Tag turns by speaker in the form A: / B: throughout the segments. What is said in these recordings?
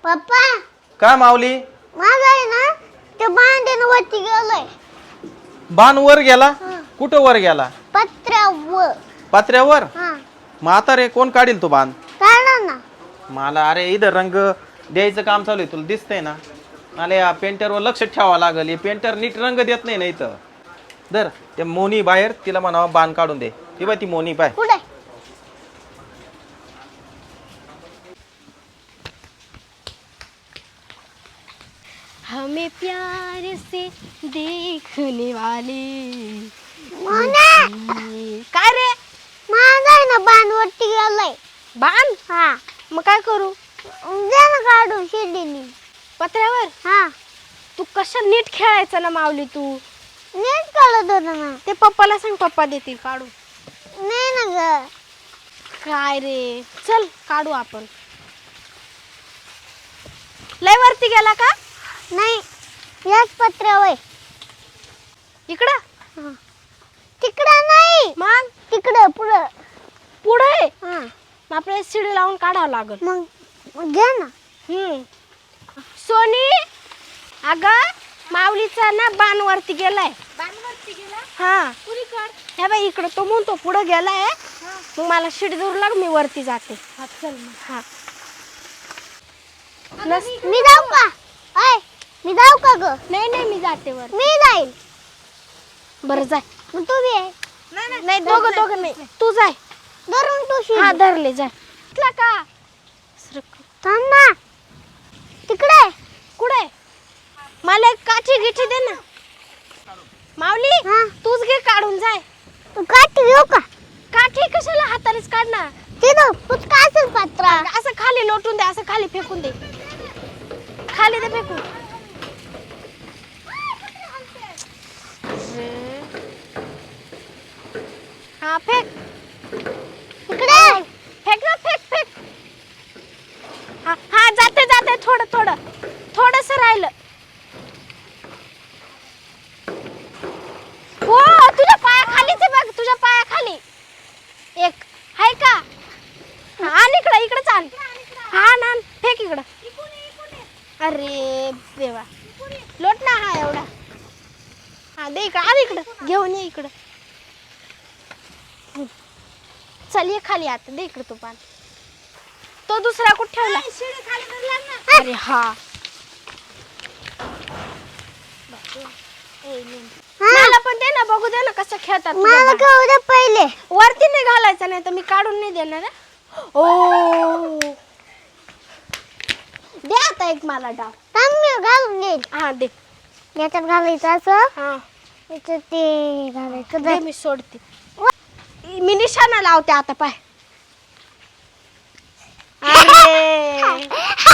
A: पप्पा
B: काय माऊली?
A: माझा आहे ना ते भांड्यानं वरती गेलंय.
B: बाण वर गेला? कुठं वर गेला?
A: पत्र्यावर.
B: पात्र्यावर?
A: हा
B: मग आता रे कोण काढील तो बाण?
A: काढा ना.
B: मला अरे इथं रंग द्यायचं काम चालू आहे, तुला दिसतंय ना. मला या पेंटरवर लक्ष ठेवावं लागेल. हे पेंटर नीट रंग देत नाही ना इथं. दर ते मोनी बाहेर, तिला म्हणावं बाण काढून दे. ती बाय ती मोनी पाय.
A: कुठे?
C: हमें प्यार से देखने वाले काय रे
A: माझा आहे ना बाण वरती गेलंय.
C: बाण
A: हा
C: मग काय करू
A: दे ना काढून शेडीनी.
C: पत्र्यावर
A: हा
C: तू कशा नीट खेळायचा ना माऊली तू
A: नीट कळत होतं ना.
C: ते पप्पाला सांग पप्पा देतील काढू
A: नाही ना ग.
C: काय रे चल काढू आपण लय वरती गेला का
A: नाही याच पत्र्यावर.
C: इकडं
A: तिकडं नाही
C: मग
A: तिकडं पुढं.
C: पुढे
A: हा
C: आपल्याला शिडी लावून काढावं लागल
A: मग घ्या ना.
C: सोनी अगं माऊलीचा ना बाण वरती गेलाय. हा हे बाई इकडं तो म्हणतो पुढे गेलाय. मग मला शिडी दूर लाग मी वरती जाते. चल हा
A: मी जाऊ का? ऐ मी जाऊ का ग?
C: नाही नाही मी जाते वर
A: मी जाईल.
C: बरं जाय
A: मग तू बी आहे.
C: नाही दोघं नाही तू जाय
A: धरून तू शिडी.
C: हा धरले जाय का
A: थांब ना. तिकडे
C: कुठे मला एक काठी गिठी दे ना माऊली.
A: हा.
C: तूच घे काढून जाय.
A: तू काठी घेऊ का?
C: काठी कशाला हातानेच काढ ना.
A: तिथं पुचका असेल पत्रा.
C: असं खाली लोटून दे असं खाली फेकून दे खाली दे फेकून. हा फेक
A: इकडे
C: फेक ना फेक हा हा जाते जाते थोडस राहिलं. हो तुझ्या पायाखालीच बघ तुझ्या पायाखाली एक आहे का. आण इकडे चाल. हा ना फेक इकडं. अरे देवा लोट ना हा एवढा. हा दे इकडं आण इकडं घेऊन ये इकडं. चल ये खाली आता दे इकडं तो पान. तो दुसरा कुठे ठेवला? अरे हा मला पण दे ना बघू दे ना कसं खेळतात.
A: मला कळू दे पहिले.
C: वरती नाही घालायचं नाही तर मी काढून नाही देणार. ओ दे आता एक मला डाव.
A: थांब मी घालून देईल.
C: हा दे
A: याच्यात घालायचं असं.
C: हा
A: याच्यात ते घालायचं.
C: दे मी सोडते. मी निशाणा लावते आता पाय. अरे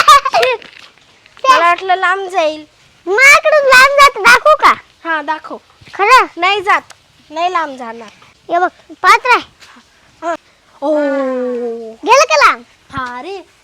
C: मला वाटलं लांब जाईल.
A: माझ्याकडून लांब जात दाखवू का?
C: हा दाखव.
A: खरं
C: नाही जात नाही लांब जाणार.
A: हे बघ पात्र आहे.
C: ओ
A: गेलं का लांब?
C: हा रे